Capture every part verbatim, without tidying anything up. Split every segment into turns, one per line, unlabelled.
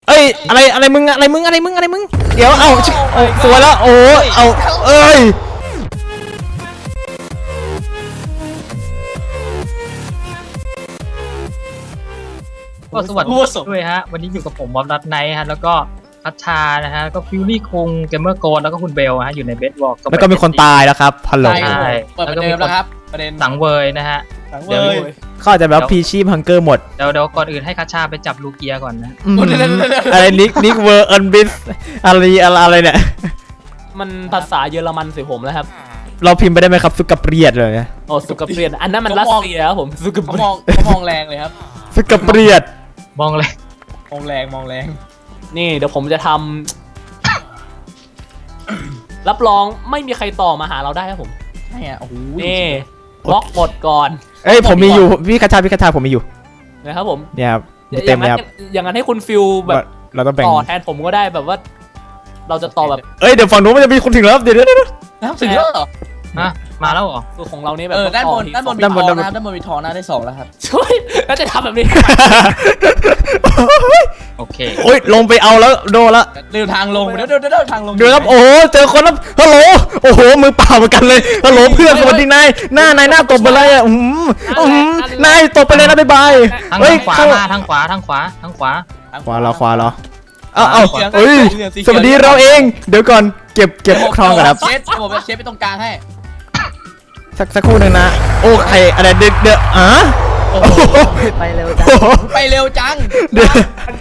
เอ้ยอะไรอะไรมึงอะไรมึงอะไรมึงอะไรมึงเดี๋ยวเอาเอาสวยแล้วโอ้เอาเอ้ย
ก็สวัสดีด้วยฮะวันนี้อยู่กับผมบอมรัตไนท์ฮะแล้วก็พัชชานะฮะก็ฟิวลี่คงเกมเมอร์โกนแล้วก็คุณเบลฮะอยู่ในเบสวอล์ก
แล้วก็มีคนตายแล้วครับฮัลโหล
ใช่
เปิดประเด็นแล้วครับประเด็น
สังเวยนะฮะ
สังเว
เดี๋ยวย
เขาอาจจะแบบพีชีพฮังเกอร์หมด
เดี๋ยวเดี๋ยวก่อนอื่นให้คัชชาไปจับลูเกียก่อนนะ
อะไรนิกนิกเวอร์เอิร์นบิสอะไรอะไรอะไรเนี่ย
มันภาษาเยอรมันสิผมแล้วครับ
เราพิมพ์ไปได้ไหมครับสุกับเปรียดเลย
โอ้สุกเปลี่ยนอันนั้นมันรัสเซียครับผมสุกเป
เขา
ลี่
ม
ย
อน งเขามองแรงเลยครับ
สุกับเปรียด
มองเลย
มองแรงมองแรง
นี่เดี๋ยวผมจะทำ รับรองไม่มีใครต่อมาหาเราได้ครับผม
ใช่อ่ะโอ้โห
นี่บล็อกหมดก่อน
เอ้ยผมมีอยู่พี่คาชาพี่คาชาผมมีอยู่
นะครับผม
เนี่ยครับ
อ
เต็
ย่าม ง
เลย
นั้
คน รับ
อย่างนั้นให้คุณฟิลแบบ
เราต้องแบ่ง
ต่อแทนผมก็ได้แบบว่า เราจะต่อแบบ
เอ้ยเดี๋ยวฝั่งนู้นมันจะมีคนถึงแล้วเดี๋ยวเดี๋ยวเดี๋ยว
น้ำถึงแล้วเหรอ
ฮะมาแล้วเหรอ
คือของเรานี่แบบ
เออด้านบน
ที
ด้านบนมี
ด้าน
ท
บ
อน ง
ด้านบน
นะด้านบนมีทองนะได้สองแล้วครับ
ช่วยแล้วจะทำแบบนี้
โอเค
โอ้ยลงไปเอาแล้วโดนแล้ว
เร็วทางลงเดี๋ยวเดี๋ยวเดี๋ยวทางลง
เดี๋ยวครับโอ้โหเจอคนแล้วฮัลโหลโอ้โหมือเปล่าเหมือนกันเลยฮัลโหลเพื่อนสวัสดีนายหน้านายหน้าตบไปเลยอ่ะอืมอืมนายตบไปเลยนะบ๊ายบาย
ทาง
เฮ้ย
ขวา
เข้า
มาทางขวาทางขวาทางขวา
ขวาเหรอขวาเหรอเอาเอา
สีหลืง
เอ้ย
สีหลือง
สวัสดีเราเองเดี๋ยวก่อนเก็บเก็บครองก่อนครับ
เชฟผมเชฟไปตรงกลางให้
สักสักครู่หนึ่งนะโอ้ใครอะไรเดือดเดือดอ่ะ
โอ้
โอ้
โห
โห
ไปเร็วจัง
โอ้โห
ไปเร็วจัง
เดี๋ยว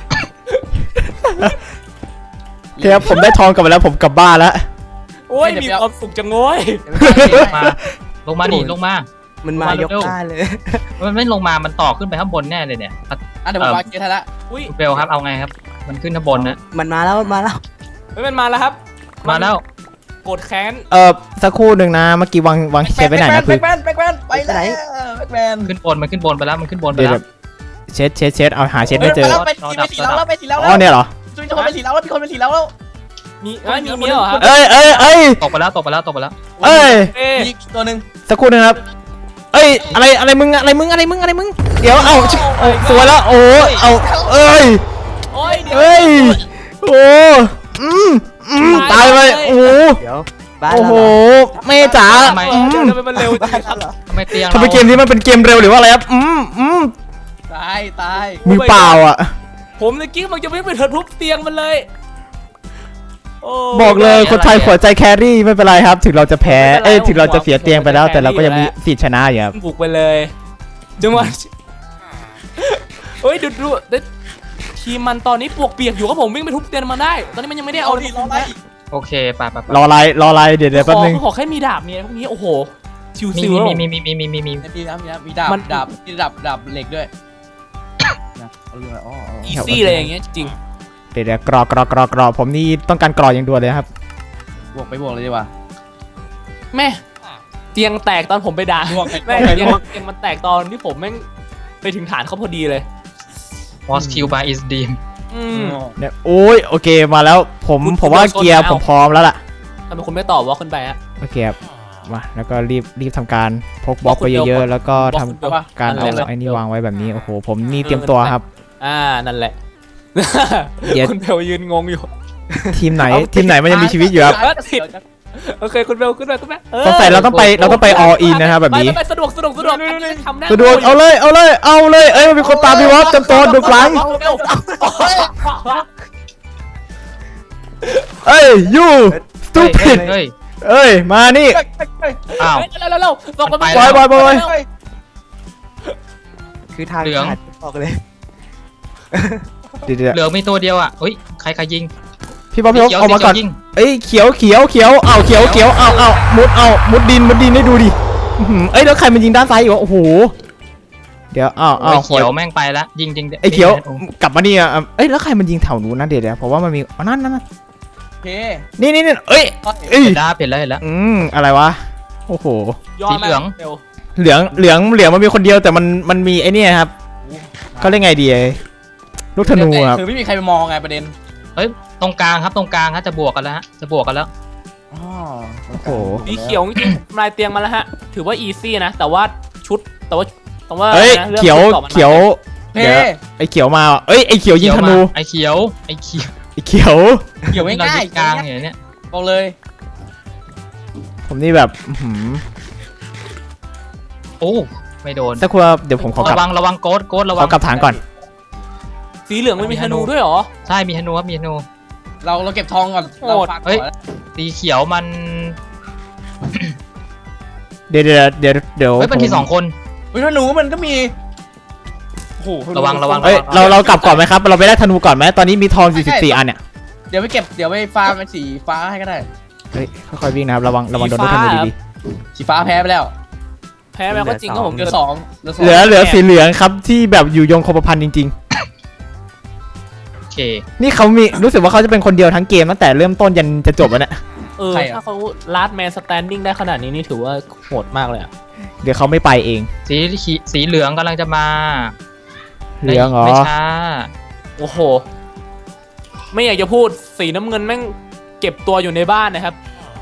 โอเคครับผมได้ทองกลับมาแล้วผมกลับบ้านแล้ว
โอ้ยมีความสุขจังโว้ย
มาลงมาดิลงมา
มันมายก
เร็ว
ได้เลย
มันไม่ลงมามันต่อขึ้นไปข้างบนแน่เลยเนี่ย
อ่ะเดี๋ยวผมวางเกทให้ละ
อุ้ย
คุณเบลครับเอาไงครับ มันขึ้นข้างบนนะ
มันมาแล้วมันมาแล้ว
เฮ้ยมันมาแล้วครับ
มาแล้ว
กดแค้น
เออสักครู่หนึ่งนะเมื่อกี้วางวางเชฟไว้ไหนนะ
แบ็
คือ
คแมนแบ็คแมนไปแล้วแบ็คแมน
ขึ้นบนมันขึ้นบนไปแล้วมันขึ้นบนไป
เดี๋ยว
แล้ว
เชฟเชฟเชฟเอาหาเชฟไม่เจอ
ไปสีไปสีแล้วแล้วไปสีแล้ว
อ๋อเนี่ยเหรอ
จุ๊ยจะคนไปสีแล้วแล้วมีคนไปสีแล้วแล้ว
มีเอ้ยมีเมียเหรอครับ
เอ้ยเอ้ยเอ้ย
ตกไปแล้วตกไปแล้วตกไปแล้ว
เอ้ย
เอ้ย
มีตัวหนึ่ง
สักครู่หนึงครับเอ้ยอะไรอะไรมึงอะไรมึงอะไรมึงอะไรมึงเดี๋ยวเอาเอาสวยแล้วโอ้เอาเอ้ย
โอ้ยเดี๋ยว
เอ้ยโอ้อืมอืมตายไปโอ้
เดี๋ยวบ้าน
โอ้
เรา
โห
เหรอ
แม่จ๋า
ทำไม
อืม
เดี๋ยวมันเร็วจริงครับ
ทำไมเตียง
ทำไมเกมนี้มันเป็นเกมเร็วหรือว่าอะไรครับอืมอืม
ตายตาย
มือเปล่าอ่ะ
ผมเมื่อกี้มันจะไม่ไปเถิดทุบเตียงมันเลยโ
บอกเลยคนไทยหัวใจแครี่ไม่เป็นไรครับ ถึงเราจะแพ้เอ้ยถึงเราจะเสียเตียงไปแล้ว แต่เราก็ยังมีสิทธิ์ชนะอยู่ครับ
บุกไปเลยจังหวะเฮ้ยดูดูดูทีมมันตอนนี้ปวกเปียกอยู่ครับผมวิ่งไปทุบเตียงมันได้ ตอนนี้มันยังไม่ได้
เอา
เอา
ดิรออะไร
โอเคไปไปไป
รออะไรรออะไรเดี๋ยวเดี๋ยว
ข
แป๊บ
อ
นึง
ขอแค่มีดาบมีอะไรพวกนี้โอ้โหชิว
มี
ซิว
มีมีมีมีมีมีมี
มีนะมีนะมีดาบ
มัน
ดาบมีดาบดาบเหล็กด้วยนะเอาเรื่องอะไรอ๋อ
อีซี่เลยอย่างเงี้ยจริง
เดี๋ยวเดี๋ยวกรอกกรอกกรอกกรอกผมนี่ต้องการกรอกอย่างด่วนเลยครับ
บวกไปบวกเลยดีกว่า
แม่เตียงแตกตอนผมไปด่า
บวกไป
แม่
บวกไป
เตีย
บ
ง
วก
เตียงมันแตกตอนที่ผมแม่งไปถึงฐานเขาพอดีเลย
วอสคิวบายอิสดีม
อืม
เนี่ยโอ้ยโอเคมาแล้วผม
คุณ
ผมว่า
คุณโดนชน
เกียร์
แล้ว
ผมพร้อมแล้วล่ะ
ทำไมคุณไม่ตอบว่าขึ้นไปอะ
โอเคครับมาแล้วก็รีบรีบทำการพกบล็อกไปเยอะๆแล้วก็ทำ
บอกคุณ
การเอา
นั่นแหละ
ไอ้นี่วางไว้แบบนี้โอ้โหผมนี่เตรียมตัวครับ
อ่านั่นแหละ
เดี๋ยว
คุณเบลยืนงงอยู่
ทีมไหนทีมไหนมันยังมีชีวิตอยู่ครับ
เออผิด โอเคคุณเบลขึ้นไปขึ้นไปเออ
สงสัยเราต้องไปเราต้องไป all in นะครับแบบนี้
ไปไปสะดวกสะดวกสะดวกอันนี้ทำได้
สะดวกเอาเลยเอาเลยเอาเลยเอ้ยมันมีคนตามพี่วอฟจำตัวดูหลัง
เบล
เอ้ย you
เฮ้ย
stupid
เฮ้ย
เอ้ยมานี่
อ้าว
เร็วเร็วเร็วบอกกัน
ไป
บอยบอยบอย
คือทาง
เหลือง
ขาดบอกเลย
เดี๋ยวเดี๋ยว
เหลือมีตัวเดียวอ่ะเฮ้ยใครใครยิง
พี่บ๊อบพี่บ๊อบ
เขียว
ออกมาก่อน
ยิง
เอ้ยเขียวเขียวเขียวเอาเขียวเขียวเอาเอามุดเอามุดดินมุดดินให้ดูดิอื้อหือเอ้ยแล้วใครมันยิงด้านซ้ายอยู่วะโอ้โหเดี๋ยวอ้าวอ้า
โอ้
วย
เขียวแม่งไปแล้วยิงจริง
ไอ้เขียวกลับมานี่อ่ะเอ้ยแล้วใครมันยิงแถวนู้นนะเดี๋ยวเดี๋ยวเพราะว่ามันมีอ๋อนั่นนั่นนั่น
โอเค
นี่นี่นี่เอ้ยเอ้ย
เห็นแล้วเห็นแล้วเห็นแล้ว
อืมอะไรวะโอ้โห
สีเหลือง
เหลืองเหลืองเหลืองมันมีคนเดียวแต่มันมันมีไอ้เนี่ยครับเขาเรียกไงดีไอ้ลูกธนูครับ
คือไม่มีใครไปมองไงประเด็น
เฮ้ยตรงกลางครับตรงกลางฮะจะบวกกันแล้วฮะจะบวกกันแล้ว
อ๋อ
โอ้โห
สีเขียวจริงๆลายเตียงมาแล้วฮะถือว่าอีซี่นะแต่ว่าชุดแต่ว่าแต่ว่า
เอ้ย
นะรื่อง
เขียว
ชุดต่อมันมา
เขียว
เพ
เดี๋ยวไอ้เขียวมาว่ะเอ้ยไอ้เขียวยิงธนู
ไอ้เขียวไอ้เขียว
ไอ้เขียว
เกี่ยวไม่
เรา
ง่าย
ยึดกลางอย่างเนี้ย
บอกเลย
ผมนี่แบบอื้อหือ
โอ้ไม่โดน
สักครู่เดี๋ยวผมขอกลับ
ระวังระวังโกดโกดระวั
ขอกลับฐานก่อน
สีเหลืองมันมีธนูด้วยเหรอ
ใช่มีธนูครับมีธนู
เราเราเก็บทองก่อน
โหด
เราฝาก
เฮ้ย
ก่อน
สีเขียวมัน
เดี๋ยวเดี๋ยวเดี๋ยวเดี๋ยว
เฮ้ยมันมีสองคน
เฮ้ยธนูมันก็มีโอ้โห
ระวังระวัง
เอ้ยเราเรากลับก่อนไหมครับเราไปได้ธนูก่อนไหมตอนนี้มีทองสี่สิบสี่อันเนี่ย
เดี๋ยวไปเก็บเดี๋ยวไปฟาร์มเป็นสีฟ้าให้ก็ได้
เฮ้ยค่อยๆวิ่งนะครับระวังระวังโดนลูกธนูดี
สีฟ้าแพ้ไปแล้ว
แพ้แล้วก็จริงครับผม
เหลือสองเหลือส
ๆ
อง
เหลือเหลือสีเหลืองครับที่แบบอยู่ยงคงกระพันจริง
โอเค
ๆ นี่เขามีรู้สึกว่าเขาจะเป็นคนเดียวทั้งเกมตั้งแต่เริ่มต้นยันจะจบแล้วเนี่ย
เออถ้าเขาลาดแมนสแตนดิ้งได้ขนาดนี้นี่ถือว่าโหดมากเลยอะ
เดี๋ยวเขาไม่ไปเอง
สีขีสีเหลืองกำลังจะมา
เหลืองเหรอ
ไม่ช้า
โอ้โห ไม่อยากจะพูดสีน้ำเงินแม่งเก็บตัวอยู่ในบ้านนะครับ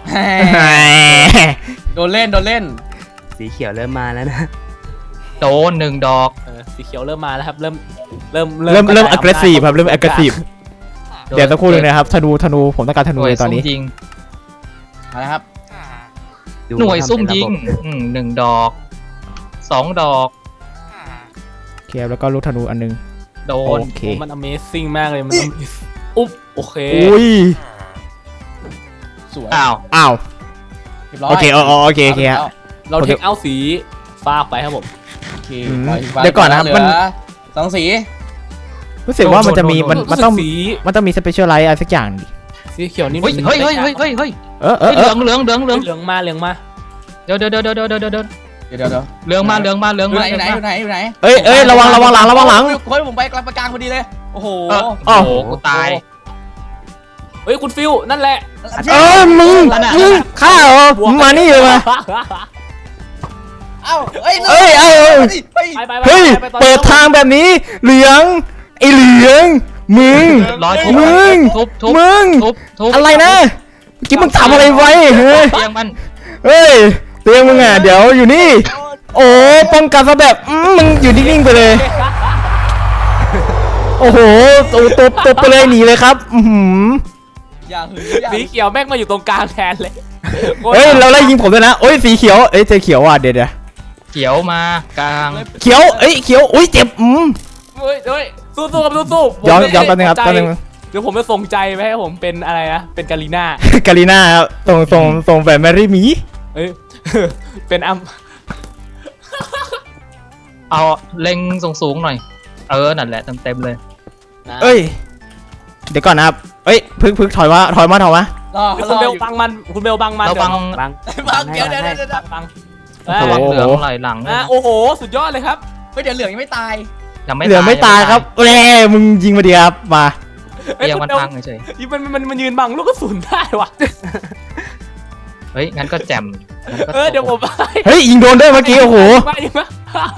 โดนเล่นโดนเล่น
สีเขียวเริ่มมาแล้วนะ
โดนหนึ่งดอก
เออสีเขียวเริ่มมาแล้วครับ เริ่มเริ่ม
เริ่มเริ่ม
กะจาย
aggressive ครับเริ่ม aggressive
โน
เดี๋ยวสักครู่หนึงนะครับธนูธนูผมต้องการธนูเลยตอนนี้
หวยซุ่มยิง
เอาละครับ
ดู
หน่วยซุ่ม
ทำเป็น
ยิง
ระบบ
อืมหนึ่งดอกสองดอก
โอเคแล้วก็ลูกธนูอันนึง
โด
โอน เค
โอ้มัน Amazing มากเลยมัน Amazing อุ๊บโอเค
อุ้ย
สวย
อ้าว
อ้าว
เรียบร้อย
โอเคอ๋อโอเคโอเคฮะ
เรา
โอเค
เทคเอาสีฟ้าไปครับผม
โอเค
อืม
ปล่อยสีฟ้า
เดี๋ยวก่อนนะครับ
เหลื
มัน
สองสี
รู้สึกว่ามันจะมีมันมันต้อง
รู้สึกสี
มันต้องมีสเปเชียลไลท์อะไรสักอย่างดิ
สีเขียวนี่
เฮ้ยเฮ้ยเฮ้ยเฮ้ยเฮ้ยเฮ้ย
เออเอ
เฮ้
อย เอ
เหลื
อ
องเหลืองเหลืองเหลือง
เหลืองมาเหลืองมา
เดี๋ยวเดี๋ยวเดี๋ยวเดี๋ยวเดี๋ยวเดี๋ยวเดี๋ยว
เดี๋ยวเดี๋ยวเดี๋ยว
เหลืองมาเหลืองมาเหลือง
อยู่
มา
ไหนอยู่ไหนอยู่ไหนอยู่ไหน
เอ้ยเอ้ยระวังระวังหลังระวังหลัง
เฮ้ยผมไปกลางกลางพอดีเลยโอ้โห
เออ
อ้าว
โอ้โหกูตาย
เฮ้ยคุณฟิวนั่นแหละ
เอ้ยมึงมึงฆ่าเหรอมึงมานี่เลยมา
เอ้าเอ้ย
เอ้ยเอ้ยเอ้ย
เฮ้ย
ไปไปไป
เฮ้ย
ไปไป
เปิดทางแบบนี้เหลืองไอเหลืองมึง
ร้อยทุบ
มึง
ทุบทุบ
มึง
ทุบทุบ
อะไรนะเมื่อกี้มึงทำอะไรไว้เฮ้ย
เตียงมัน
เฮ้ยเตียงมึงอ่ะเดี๋ยวอยู่นี่ โอ้ป้องกันซะแบบอืมมึงอยู่นิ่งๆไปเลย โอ้โหตัวตัวตัวไปเลยหนีเลยครับ อือหือ
อย่าหืออย่า
สีเขียวแม่งมาอยู่ตรงกลางแทนเลย
เฮ้ยเราไล่ยิงผมด้วยนะโอ้ยสีเขียวเอ้ยเจอเขียวว่ะเดี๋ยวเดี๋ยว
เขียวมากลาง
เขียวเอ้ยเขียวอุ้ยเจ็บอืม
เฮ้ยเฮ้ยสู้สู้ครับสู้สู้ผม
ย้อน
ไม่
ย้อนแป๊บนึงครับ
ใจ
แป๊บนึง
เดี๋ยวผมจะส่งใจไปให้ผมเป็นอะไรนะเป็นกาลีน่าก
าลิน่าครับส่งส่งส่งแฟนแมรี่หมี
เอ้ย เป็นอัม
เอาเล็งสูงสูงๆหน่อย เออนั่นแหละเต็มเต็มๆเลย
เอ้ยเดี๋ยวก่อนนะครับเอ้ยพึกพึกถอยมาถอยมาถอยมาร
อ
คุ
ร
ณ
อ
เบ
อ
ล
ยู่
บังมันคุณเบลบังมัน
ระวัง
บัง
บังเดี๋ยวเดี๋ยว
ให้
เดี๋ยวเดี๋ยว
บัง
โอ้โห
ระวังเหลืองไหลหลัง
อ่ะโอ้โหสุดยอดเลยครับ
เฮ้ยเดี๋ยวเหลืองยังไม่ตาย
ยังไม่
เหลือไม่ตายครับแหมมึงยิงมาดีครับมา
เตียงมันพังเฉย
มันมันมันยืนบังลูกกระสุนได้ว่ะ
ๆเฮ้ยงั้นก็แจ่มงั้นก็
เออเดี๋ยวผมไป
เฮ้ยยิงโดนด้วยเมื่อกี้โอ้โห
ไปยิงมา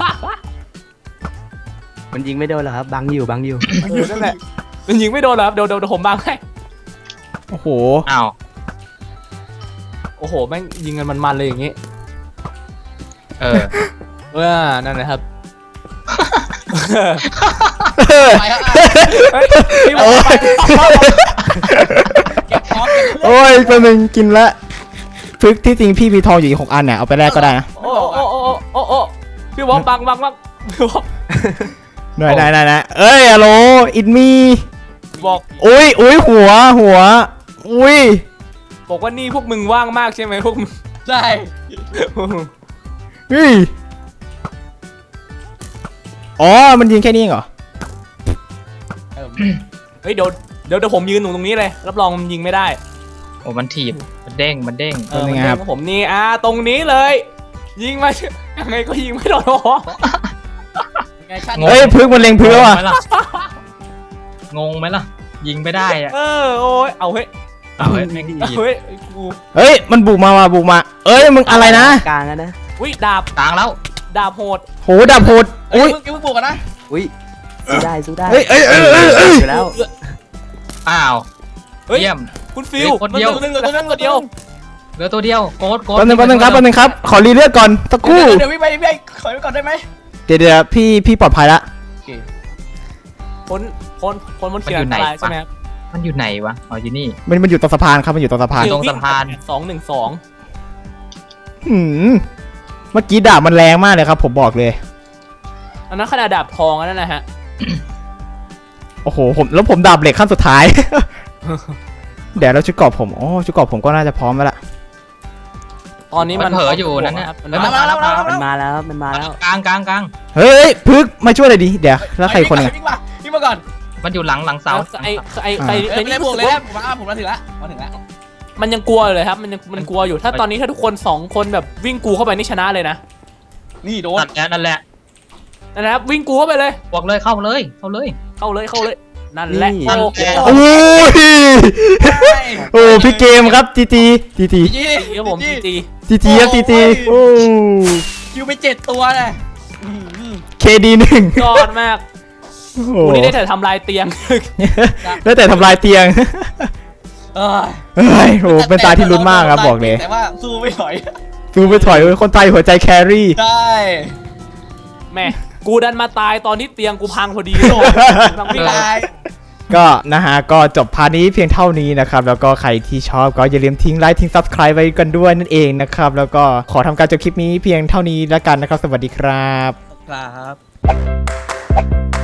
มันยิงไม่โดนหรอกครับ บังอยู่บังอยู่
เออนั่นแหละมันยิงไม่โดนเหรอครับเดี๋ยวเดี๋ยวเดี๋ยวผมบังให้
โอ้โห
อ้าว
โอ้โหแม่งยิงกันมันๆเลยอย่างงี้
เออ
เออนั่นแหละครับ
ไปครับ
เฮ้ยพี่บอ
โอ้
ก
ย
เก็บของเก็บเลือด
โอ้ยตัวหนึ่งกินละพึกที่จริงพี่มีทองอยู่อีกหกอันเนี่ยเอาไปแลกก็ได้นะ
โอ้โอ้โอ้โอ้โอ้พี่บอกบังบังบังพี่บอก
หน่อยได้ได้นะเอ้ยฮัลโหลอินมี
บอก
อุ้ยอุ้ยหัวหัวอุ้ย
บอกว่านี่พวกมึงว่างมากใช่ไหมพวกมึง
ใช่
เฮ้ยอ๋อมันยิงแค่นี้เองเหรอ
เออ
เฮ้ยเดี๋ยวเดี๋ยวเดี๋ยวผมยืนอยู่ตรงนี้เลยรับรองมันยิงไม่ได้
โอ้มันถีบมันเด้งมันเด้ง
เออมันเด้งกับผมนี่อ่าตรงนี้เลย ยิงมายังไงก็ยิงไม่โดน
ไงชั่น
เฮ้ยพึกมันเล็งพึกแล้วอ่ะ
งงไหมล่ะยิงไม่ได้อะ
เออโอ้ยเอาเฮ้ย
เอาเฮ้ยแม่งถีบ
เฮ้ยกู
เฮ้ยมันบุกมามาบุกมา เอ้ยมึงอะไรนะ
กลางอะนะ
อุ้ยดาบ
กลางแล้ว
ดาบโหด
โหดับโหด
เฮ้
อุ้
ย
ย
เพิ่งเพิ่งปลูกกันนะ
อุ้ยสู้ได้สู้ได้
เฮ้ยเอ้ยเอ้ยเอ้ยเอ้ย
อยู่แล้ว
อ้าว
เฮ้ย
เยี่ยม
คุณฟิว
เฮ้ยคนเดียว
มันหนึ่งตัวนึงตัวเดียว
เหลือตัวเดียวโกดโกด
แป๊บนึงแป๊บนึงครับแป๊บนึงครับขอรีเลือดก่อนตะ
เดี๋
กู้
ยวเดี๋ยววิ่งไปวิ่งไปขอไปก่อนได้ไหม
เดี๋ยวเดี๋ยวพี่พี่ปลอดภัยละ
โอเค
พ้นพ้นพ้นพ้นขีดอันตรายใช่ไหมครับ
มันอยู่ไหนวะอ๋ออยู่นี่
มันมันอยู่ตรงสะพานครับมันอยู่ตรงสะพาน
ตรงสะพาน
สองหนึ่งสอง
หืมเมื่อกี้ดาบมันแรงมากเลยครับ ผมบอกเลย
อันนั้นขนาดดาบทองอันนั้นนะฮะ
โอ้โหผมแล้วผมดาบเหล็กขั้นสุดท้าย เดี๋ยวเราชุดเกราะผมอ๋อชุดเกราะผมก็น่าจะพร้อมแล้วล่ะ
ตอนนี้
มั
มัน
นเผลออยู่นั่นน่ะ
มัน
เฮ้ย
มา
มาแล้วมาแล้ว
มันมาแล้วมันมาแล้ว
กลางกลางกลาง
เฮ้ยพึกมาช่วยเลยดิเดี๋ยวแล้วใครคนหนึง
วิ่งมาวิ่งมาก่อน
มันอยู่หลังหลังเสา
ไอ้ไอ้ใคร
เอ้
ใคร
ยไม่
นี่
ได้บวกเลยนะผมมาผมมาถึงแล้วมาถึงแล้ว
มันยังกลัวอยู่เลยครับ มันยังมันกลัวอยู่ถ้าตอนนี้ถ้าทุกคนสองคนแบบวิ่งกูเข้าไปนี่ชนะเลยนะ
นี่โดน
นั่นแหละนั่นแหละ
นะครับวิ่งกูเข้าไปเลย
บอกเลยเข้าเลยเข้าเลย
เข้าเลยเข้าเลยนั่นแหละ
นี่
โอเค
โอ้ยโอ้พี่เกมครับจีจีจีจี
จี
ครับผมจีจี
จีจีครับจีจีโอ้
คิวไปเจ็ดตัวเลย
เคดีหนึ่ง
ยอดมาก
โอ้โห
วันนี้ได้แต่ทำลายเตียง
ได้แต่ทำลายเตียง
เออ
เฮ้ยโอ้เป็นตาที่ลุ้นมากครับบอกเลย
แต่ว่าสู้ไม่ถอย
ดูไปถอยคนไทยหัวใจแครี่
ได้
แม่กูดันมาตายตอนที่เตียงกูพังพอดีโลกกำลังวิ่ง
ได้
ก็นะฮะก็จบพาร์ทนี้เพียงเท่านี้นะครับแล้วก็ใครที่ชอบก็อย่าลืมทิ้งไลค์ทิ้ง Subscribe ไว้กันด้วยนั่นเองนะครับแล้วก็ขอทำการจบคลิปนี้เพียงเท่านี้แล้วกันนะครับสวัสดีครับ
ครับ